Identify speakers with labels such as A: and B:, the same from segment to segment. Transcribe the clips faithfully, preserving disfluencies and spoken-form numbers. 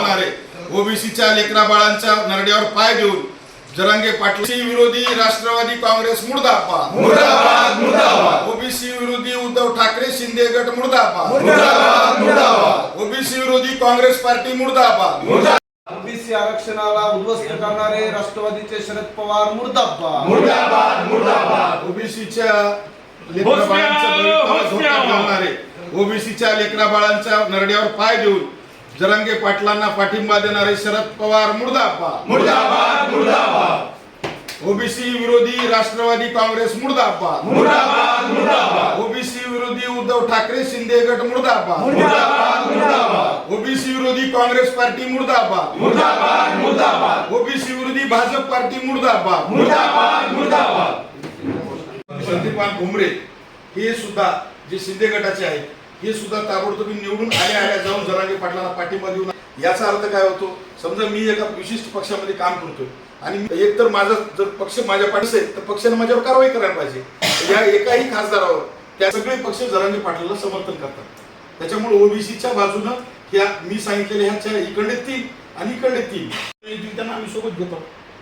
A: घालणारे ओबीसीच्या लेकरा बाळांच्या नरड्यावर पाय देऊन जरांगे पाटील विरोधी राष्ट्रवादी काँग्रेस मुर्दाबाद
B: मुर्दाबाद मुर्दाबाद
A: ओबीसी विरोधी उद्धव ठाकरे शिंदे गट मुर्दाबाद
B: मुर्दाबाद मुर्दाबाद
A: ओबीसी विरोधी काँग्रेस पार्टी मुर्दाबाद
C: ओबीसी आरक्षणाला उद्ध्वस्त करणारे राष्ट्रवादीचे शरद पवार मुर्दाबाद
B: मुर्दाबाद मुर्दाबाद
A: ओबीसीच्या लेकरा बाळांच्या भवितव्यावर धोका घालणारे ओबीसीच्या लेकरा बाळांच्या नरड्यावर पाय देऊन जरांगे पाटलांना पाठिंबा देणारे शरद पवार मुर्दाबाद
B: मुर्दाबाद मुर्दाबाद
A: ओबीसी विरोधी राष्ट्रवादी काँग्रेस मुर्दाबाद
B: मुर्दाबाद मुर्दाबाद
A: ओबीसी विरोधी उद्धव ठाकरे शिंदे गट मुर्दाबाद
B: मुर्दाबाद मुर्दाबाद
A: ओबीसी विरोधी काँग्रेस पार्टी मुर्दाबाद
B: मुर्दाबाद मुर्दाबाद
A: ओबीसी विरोधी भाजप पार्टी मुर्दाबाद
B: मुर्दाबाद मुर्दाबाद
A: संदीपान भुमरे हे सुद्धा जे शिंदे गटाचे आहेत हे सुद्धा ताबडतोब निवडून आल्या आल्या जाऊन जरांगे पाटलांना पाठिंबा देऊन याचा अर्थ काय होतो समजा मी एका विशिष्ट पक्षामध्ये काम करतोय आणि एक तर माझा जर पक्ष माझ्या पाठीशी असेल तर पक्षाने माझ्यावर कारवाई करायला पाहिजे या एकाही खासदारावर त्या सगळे पक्ष जरांगे पाटलाला समर्थन करतात त्याच्यामुळे ओबीसीच्या बाजूनं ह्या मी सांगितलेल्या ह्याच्या इकडे तीन आणि इकडे तीन त्यांना आम्ही सोबत घेतो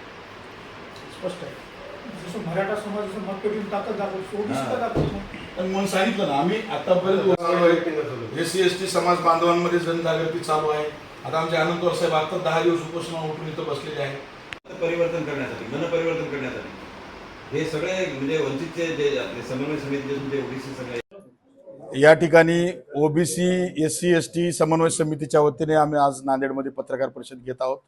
A: स्पष्ट आहे
D: जसं मराठा समाजाचं मत पेटून ताकद दाखवतो ओबीसीला दाखवतो
A: पण म्हणून सांगितलं ना आम्ही आतापर्यंत एस सी एस टी समाज बांधवांमध्ये जनजागृती चालू आहे आता आमचे आनंद साहेब आता दहा दिवस उपोषणावर उठून इथं बसलेले आहेत
E: परिवर्तन करण्यासाठी मन परिवर्तन करण्यासाठी हे सगळे म्हणजे वंचितचे जे आपले समन्वय समिती ओबीसी सगळे
A: या ठिकाणी OBC S C S T समन्वय समितीच्या वतीने आम्ही आज नांदेडमध्ये पत्रकार परिषद घेत आहोत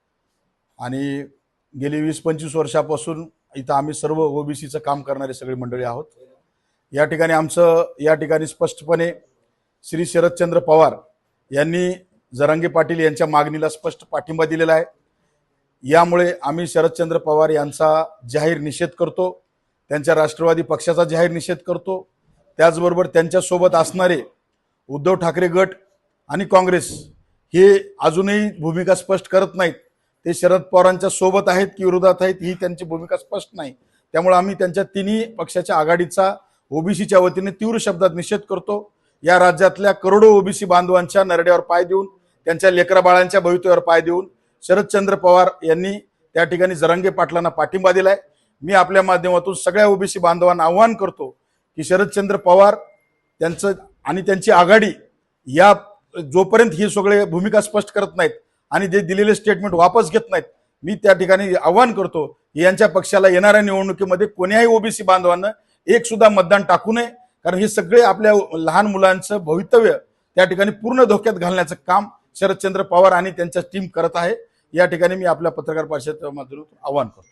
A: आणि गेली वीस पंचवीस वर्षापासून इथं आम्ही सर्व ओबीसीचं काम करणारे सगळी मंडळी आहोत या ठिकाणी आमचं या ठिकाणी स्पष्टपणे श्री शरदचंद्र पवार यांनी जरांगे पाटील यांच्या मागणीला स्पष्ट पाठिंबा दिलेला आहे यामुळे आम्ही शरदचंद्र पवार यांचा जाहीर निषेध करतो त्यांच्या राष्ट्रवादी पक्षाचा जाहीर निषेध करतो त्याचबरोबर त्यांच्यासोबत असणारे उद्धव ठाकरे गट आणि काँग्रेस हे अजूनही भूमिका स्पष्ट करत नाहीत ते शरद पवारांच्या सोबत आहेत की विरोधात आहेत ही त्यांची भूमिका स्पष्ट नाही त्यामुळे आम्ही त्यांच्या तिन्ही पक्षाच्या आघाडीचा ओबीसीच्या वतीने तीव्र शब्दात निषेध करतो या राज्यातल्या करोडो ओबीसी बांधवांच्या नरड्यावर पाय देऊन त्यांच्या लेकरा बाळांच्या भवितव्यावर पाय देऊन शरदचंद्र पवार यांनी त्या ठिकाणी जरांगे पाटलांना पाठिंबा दिलाय मी आपल्या माध्यमातून सगळ्या ओबीसी बांधवांना आवाहन करतो की शरदचंद्र पवार त्यांचं आणि त्यांची आघाडी या जोपर्यंत ही सगळे भूमिका स्पष्ट करत नाहीत आणि जे दिलेले स्टेटमेंट वापस घेत नाहीत मी त्या ठिकाणी आवाहन करतो की यांच्या पक्षाला येणाऱ्या निवडणुकीमध्ये कोण्याही ओबीसी बांधवांना एक सुद्धा मतदान टाकू नये कारण हे सगळे आपल्या लहान मुलांचं भवितव्य त्या ठिकाणी पूर्ण धोक्यात घालण्याचं काम शरदचंद्र पवार आणि त्यांच्या टीम करत आहे या ठिकाणी मी आपल्या पत्रकार परिषदेच्या माध्यमातून आवाहन करतो।